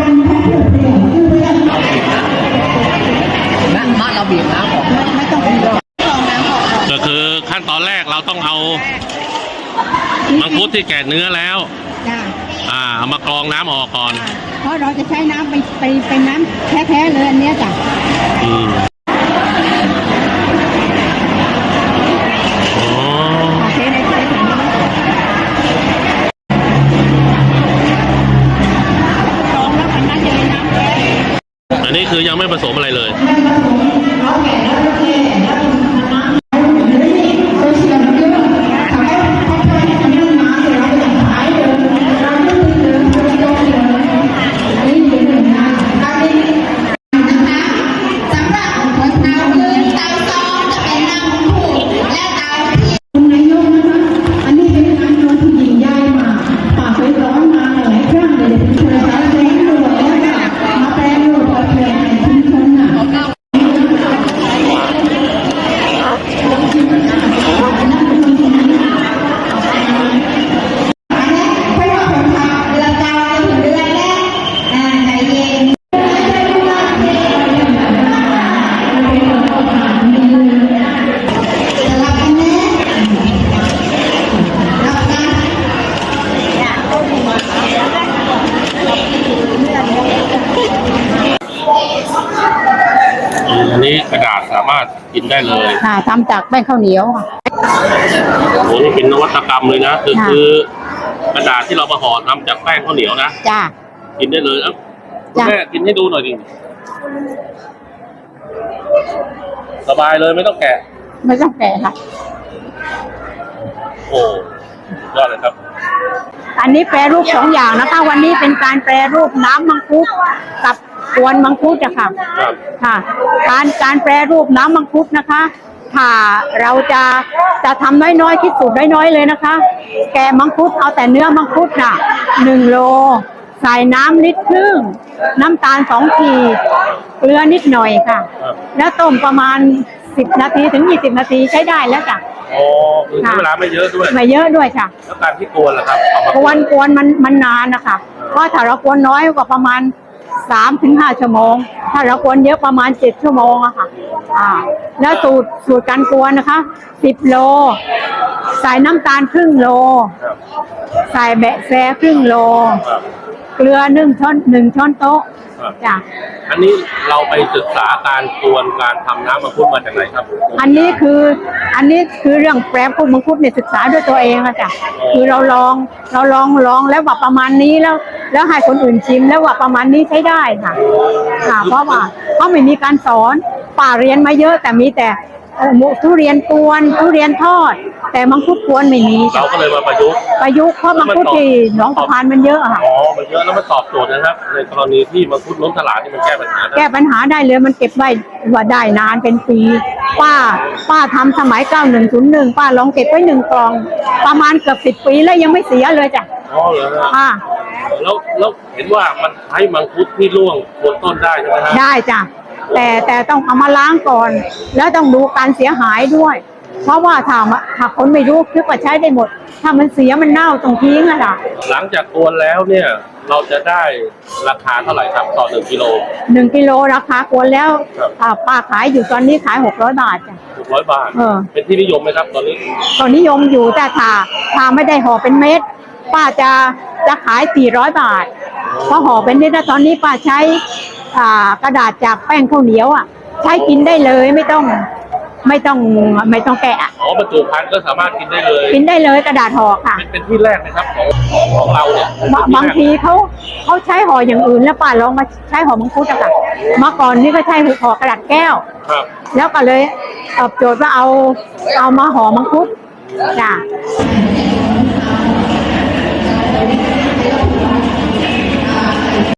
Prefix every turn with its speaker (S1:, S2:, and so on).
S1: มาเราบีบน้ำออกไม่ต้องบีบน้ำออก
S2: ก็คือขั้นตอนแรกเราต้องเอามังคุดที่แกะเนื้อแล้วเอามากรองน้ำออกก่อน
S1: เพราะเราจะใช้น้ำเป็นน้ำแท้ๆเลยอันนี้จ้ะ
S2: อันนี้คือยังไม่ผสมอะไรเลยอันนี้กระดาษสามารถกินได้เลย
S1: ทำจากแป้งข้าวเหนียว
S2: โอ้นี่เป็นนวัตกรรมเลยนะคือกระดาษที่เรามาห่อทำจากแป้งข้าวเหนียวนะ
S1: จ้า
S2: กินได้เลยครับแม่กินให้ดูหน่อยดิสบายเลยไม่ต้องแกะ
S1: ค่ะ
S2: โอ้ยอดเลยครับ
S1: อันนี้แปรรูป2 อย่างนะคะวันนี้เป็นการแปรรูปน้ำมังคุดกับกวนมังคุดอะค่ะการแปรรูปน้ำมังคุดนะคะถ้าเราจะทำน้อยๆคิดสูตรน้อยๆเลยนะคะแกะมังคุดเอาแต่เนื้อมังคุดน่ะ1 โลใส่น้ำลิตรครึ่งน้ำตาล2 ขีดเกลือนิดหน่อยค่ะแล้วต้มประมาณ10 นาทีถึง20 นาทีใช้ได้แล้วจ้ะ
S2: ใช้เวลาไม่เยอะ
S1: ด้วยค่ะ
S2: แล้วการที่กวนล่ะครับ
S1: กวนมันนานนะคะเพราะถ้าเรากวนน้อยกว่าประมาณ3-5 ชั่วโมงถ้าเรากวนเยอะประมาณ7 ชั่วโมงอะค่ะแล้วสูตรการกวนนะคะ10 โลใส่น้ำตาลครึ่ง โลใส่แบะแซครึ่ง โลเกลือ1 ช้อนโต๊ะจ้ะ
S2: อันนี้เราไปศึกษาการกวนการทำน้ำมังคุดมาจากไหนครับ
S1: อันนี้คือเรื่องแปรรูปมังคุดเนี่ยศึกษาด้วยตัวเองอะจ้ะคือเราลองแล้วว่าประมาณนี้แล้วให้คนอื่นชิมแล้วว่าประมาณนี้ใช้ได้ค่ะเพราะว่าเขาไม่มีการสอนป่าเรียนมาเยอะแต่มีแต่ทุเรียนกวนทุเรียนทอดแต่มังคุดกวนไม่มี
S2: เราก็เลยมาประยุกต์
S1: เพราะมังคุดที่หนองสะพานมันเยอะค่ะ
S2: มันเยอะแล้วมันตอบโจทย์นะครับในกรณีที่มังคุดล้นตลาดนี่มันแก้ปัญหา
S1: ได้เลยมันเก็บไว้ว่าได้นานเป็นปีป้าทำสมัย9101ป้าลองเก็บไว้1 กล่องประมาณเกือบ10 ปีแล้วยังไม่เสียเลยจ้ะ
S2: เหรอครับแล้วเห็นว่ามันใช้มังคุดที่ร่วงบนต้นได้ใช่ไหมครับ
S1: ได้จ้ะแต่ต้องเอามาล้างก่อนแล้วต้องดูการเสียหายด้วยเพราะว่าถ้าคนไม่รู้คิดว่าใช้ได้หมดถ้ามันเสียมันเน่าต้องทิ้งอะค่ะ
S2: หลังจากกวนแล้วเนี่ยเราจะได้ราคาเท่าไหร่ครับต่อ1 กิโล
S1: 1 กิโลราคากวนแล้วป้าขายอยู่ตอนนี้ขาย600 บาทจ้ะ
S2: 600 บาทเป็นที่นิยมไหมครับตอนนี้
S1: นิยมอยู่แต่ถ้าไม่ได้ห่อเป็นเม็ดป้าจะขาย400 บาทเพราะห่อเป็นเม็ดตอนนี้ป้าใช้กระดาษจากแป้งข้าวเหนียวใช้กินได้เลยไม่ต้องแกะ
S2: บรรจุภัณฑ์ก็สามารถกินได้
S1: เลยกระดาษห่อค่ะ
S2: เป็นที่แรกนะครับของเราเนี่ย
S1: บางทีเขาใช้ห่ออย่างอื่นแล้วป้าลองมาใช้ห่อมังคุดอะค่ะเมื่อก่อนนี่ก็ใช้ห่อกระดาษแก้วแล้วก็เลยตอบโจทย์ว่าเอามาห่อมังคุดจ้ะ